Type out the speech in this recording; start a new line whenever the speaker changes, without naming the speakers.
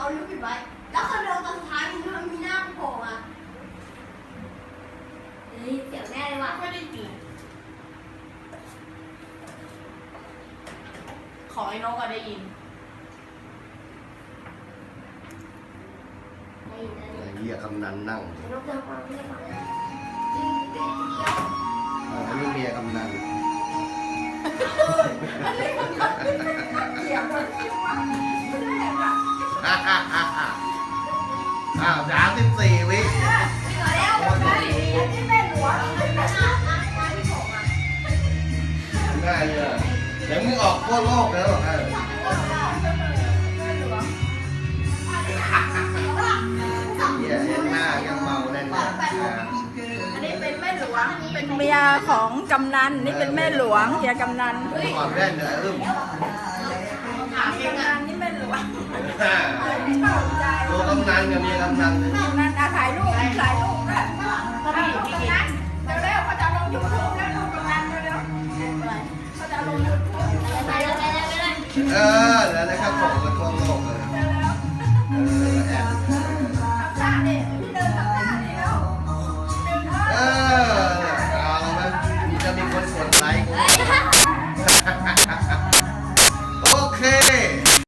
เอาลิ้วปิดไว้ แล้วคนเดินตอนสุดท้ายมันมีหน้าโผล่มาเฮ้ยเสียงแม่เลยว่ะ
ไม่ได้ยินขอไอ้นกก็ได้ยิน
ไอ้
เหี้ยกำนันนั่ง
นกจะฟังไม่ได้ฟัง
อันนี้เมียกำนัน
เสียงคนคิดว่าไม่ได้แบบ
อ้าว34 วิ
แล้วอันนี้แม่หลวง
ได้เลยเดี๋ยวมึงออกทั่วโลกแล้วเหี้ยยังหน้ายังเมาแน่นเลย
อันนี้เป็นแม่หลวงเป็นเมียของกำนันนี่เป็นแม่หลวงเมียกำนัน
ก่อนแว่นเลยอึ้ม
ถามกำนันนี่แม่หลวง
ตัวกำนันกับเมียกำนัน
กำนันถ่ายรูปนะถ่ายรูปนะกำนันเร็วๆเขาจะลงยูทูบแล้วลูกกำนันเร็วๆเขาจะลงยูทูบ
ไปเลย
แล้วนะครับผมก็ทั่วโลกเลย